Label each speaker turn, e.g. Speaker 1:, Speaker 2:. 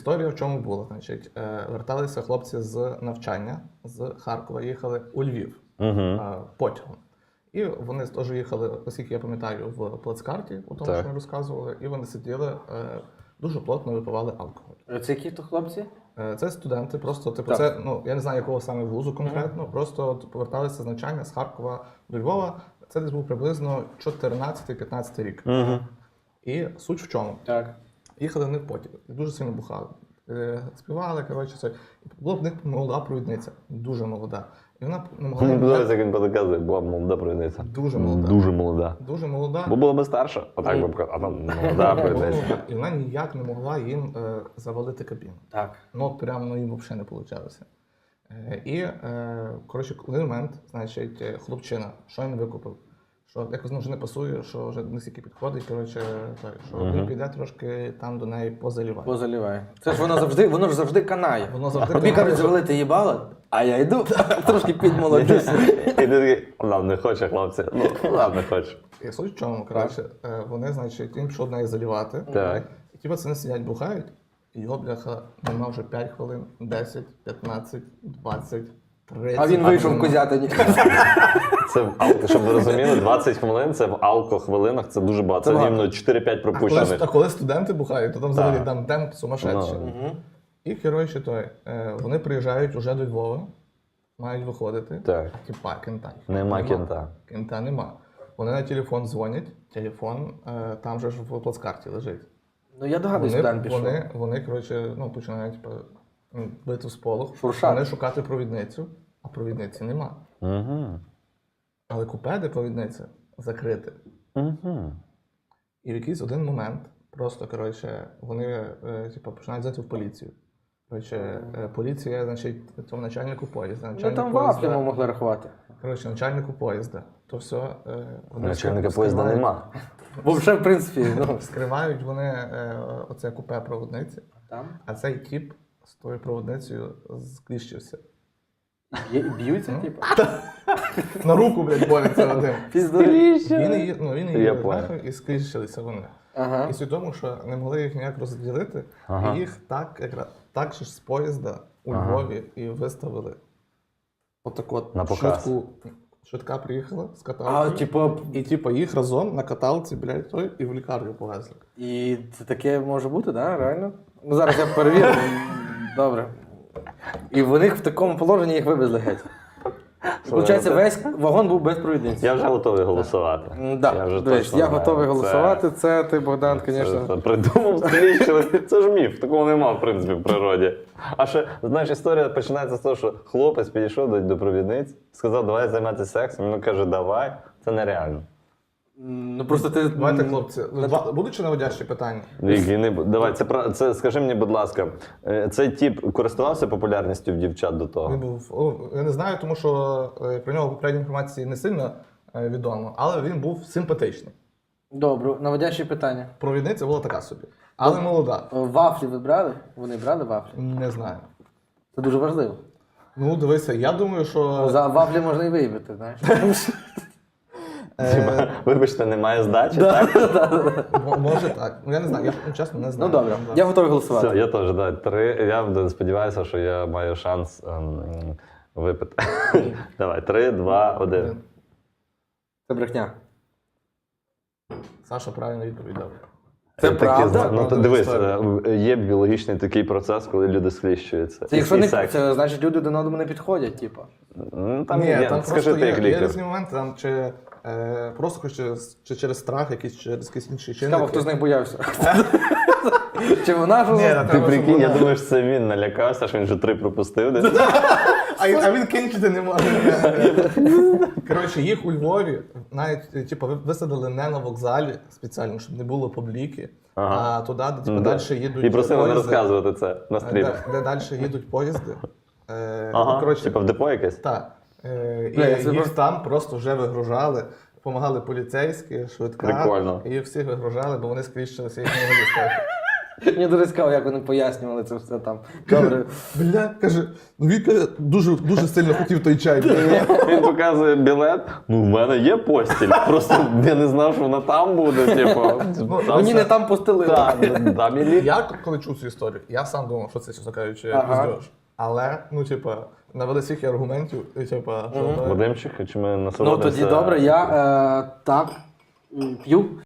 Speaker 1: Історія в чому була? Значить, верталися хлопці з навчання, з Харкова, їхали у Львів потягом. І вони теж їхали, оскільки я пам'ятаю, в плацкарті, у тому, що ми розказували, і вони сиділи, дуже плотно випивали алкоголь.
Speaker 2: Це які то хлопці?
Speaker 1: Це студенти, просто, типу, це, ну, я не знаю, якого саме вузу конкретно, просто поверталися з навчання з Харкова до Львова. Це десь був приблизно 14-15 рік. І суть в чому?
Speaker 2: Так.
Speaker 1: Їхали вони в потяг, дуже сильно бухали. Співали, коротше, це. Була в них молода провідниця, дуже молода. І вона не могла...
Speaker 3: Зараз, як він показує, була молода провідниця.
Speaker 1: Дуже молода.
Speaker 3: Дуже молода.
Speaker 1: Дуже молода.
Speaker 3: Бо була би старша, отак би показав, а там молода провідниця.
Speaker 1: І вона ніяк не могла їм завалити кабіну.
Speaker 2: Так.
Speaker 1: Ну, от прямо їм взагалі не вийшло. І, коротше, в один момент, значить, хлопчина, що він викупив? Що якось вже не пасує, що вже не стільки підходить, коротше, так, що він піде трошки там до неї позаліває.
Speaker 2: Позаліває. Це ж воно ж завжди канає.
Speaker 1: Воно завжди
Speaker 2: Тобі
Speaker 1: канає.
Speaker 2: кажуть, завалити їбало, а я йду, трошки підмолоджуся.
Speaker 3: І ти такий, нам не хоче, хлопці. Ну, нам не хоче.
Speaker 1: І суть в чому, коротше, вони, значить, він пішов до неї залівати.
Speaker 3: Так.
Speaker 1: І ті пацани сидять, бухають, і його, бляха, нема вже 5 хвилин, 10, 15, 20, 30.
Speaker 2: А він вийшов в
Speaker 1: нема.
Speaker 2: Козятині.
Speaker 3: Це, щоб ви розуміли, 20 хвилин, це в алко-хвилинах, це дуже багато. Це рівно 4-5 пропущених.
Speaker 1: А коли студенти бухають, то там взагалі там темп сумасшедший.
Speaker 3: Ну.
Speaker 1: І, коротше, вони приїжджають уже до Львова, мають виходити.
Speaker 3: Так.
Speaker 1: Типа, кента.
Speaker 3: Нема кента.
Speaker 1: Кента нема. Вони на телефон дзвонять, телефон там же ж в плацкарті лежить.
Speaker 2: Ну я догадуюсь, куди він пішов.
Speaker 1: Вони, коротше, ну, починають бити в сполох.
Speaker 2: Шуршати.
Speaker 1: Вони шукати провідницю, а провідниці нема. Але купе, де провідниця, закрите. І в якийсь один момент просто, коротше, вони починають взяти в поліцію. Коротше, поліція, значить, цьому начальнику поїзда.
Speaker 2: Ну там вафлі ми могли рахувати.
Speaker 1: Коротше, начальнику поїзда. То все. Вони
Speaker 3: Начальника
Speaker 1: скривають-
Speaker 3: поїзда нема.
Speaker 2: Бо вже, в принципі, ну.
Speaker 1: Скривають вони оце купе проводниці,
Speaker 2: Там.
Speaker 1: а цей тіп з тою проводницею скліщився.
Speaker 2: Б'ються, типу?
Speaker 1: На руку, блядь, бореться один.
Speaker 2: Піздуй.
Speaker 1: Він
Speaker 3: Я
Speaker 1: її
Speaker 3: понял.
Speaker 1: нахуй і скліщилися вони.
Speaker 2: Ага.
Speaker 1: І суть в тому, що не могли їх ніяк розділити, і їх так же ж з поїзда у Львові і виставили. Отак от
Speaker 3: На показ.
Speaker 1: швидка приїхала з
Speaker 2: А,
Speaker 1: каталкою.
Speaker 2: типу,
Speaker 1: І їх разом на каталці, блядь, і в лікарню повезли.
Speaker 2: і це таке може бути, да? Реально? Ну зараз я перевірю. Добре. І вони в такому положенні їх вивезли геть. Получається, весь вагон був без провідниці.
Speaker 3: Я вже готовий голосувати.
Speaker 2: Да, дивись, я готовий голосувати. Це ти, Богдан, звісно.
Speaker 3: Це придумав скліщили. Це ж міф, такого нема, в принципі, в природі. А ще, знаєш, історія починається з того, що хлопець підійшов до провідниць, сказав, давай займатися сексом. Він каже, давай. Це нереально.
Speaker 2: Ну просто ти.
Speaker 1: Давайте, хлопці, будуть чи наводящі питання?
Speaker 3: Давай, це скажи мені, будь ласка, цей тип користувався популярністю в дівчат до того?
Speaker 1: Він був, я не знаю, тому що про нього попередньої інформації не сильно відомо, але він був симпатичний.
Speaker 2: Добре, наводящі питання.
Speaker 1: Провідниця була така собі, але молода.
Speaker 2: Вафлі ви брали? Вони брали вафлі?
Speaker 1: Не знаю.
Speaker 2: Це дуже важливо.
Speaker 1: Ну, дивися, я думаю, що...
Speaker 2: За вафлі можна і виїбити, знаєш.
Speaker 3: Вибачте, немає здачі, так?
Speaker 1: Може так. Ну, я не знаю, я чесно не
Speaker 2: Ну
Speaker 1: знаю.
Speaker 2: добре, я готовий
Speaker 3: Все,
Speaker 2: голосувати.
Speaker 3: я теж, да, 3. Я сподіваюся, що я маю шанс випити. Давай, 3, 2, 1.
Speaker 2: Це брехня.
Speaker 1: Саша правильно відповідав.
Speaker 2: Це правда?
Speaker 3: Ну, то дивись, є біологічний такий процес, коли люди скліщуються.
Speaker 2: Це якщо
Speaker 3: І
Speaker 2: не
Speaker 3: секс.
Speaker 2: це значить люди один одному не підходять, типу.
Speaker 3: Ну, там
Speaker 1: Ні,
Speaker 3: є,
Speaker 1: там
Speaker 3: скажи
Speaker 1: просто
Speaker 3: ти як
Speaker 1: є
Speaker 3: лікар.
Speaker 1: різні моменти, там, просто чи через страх, через якісь інші
Speaker 2: Цікаво,
Speaker 1: чинники.
Speaker 2: хто з них боявся. Чи вона ж?
Speaker 1: Ні,
Speaker 3: Ти прикинь, я думаю, що це він налякався, що він вже 3 пропустив десь.
Speaker 1: А він кінчити не може. Коротше, їх у Львові навіть висадили не на вокзалі спеціально, щоб не було публіки, а туди, де далі їдуть
Speaker 3: І просили не
Speaker 1: поїзди,
Speaker 3: розказувати це на стрімах.
Speaker 1: де далі їдуть поїзди.
Speaker 3: Типа в депо якесь?
Speaker 1: Так. І
Speaker 2: Бля, це
Speaker 1: їх
Speaker 2: просто-
Speaker 1: там просто вже вигружали, допомагали поліцейські, швидка.
Speaker 3: Прикольно.
Speaker 1: І їх всіх вигружали, бо вони скріщилися їх не могли стати.
Speaker 2: Мені дуже цікаво, як вони пояснювали це все там. Добре.
Speaker 1: Бля, каже, ну він каже, дуже сильно хотів той чай.
Speaker 3: Він показує білет. Ну, в мене є постіль. Просто я не знав, що вона там буде. Типу,
Speaker 2: Мені не там постелили.
Speaker 3: там і ліфт.
Speaker 1: Я коли чув цю історію, я сам думав, що це, чесно кажучи,
Speaker 2: Ага.
Speaker 1: пиздеж. Але, ну, типа, навели стільки аргументів, і типа, що то-
Speaker 3: Вадимчик, чи ми
Speaker 2: Ну
Speaker 3: насолодимося?
Speaker 2: тоді добре, я так п'ю.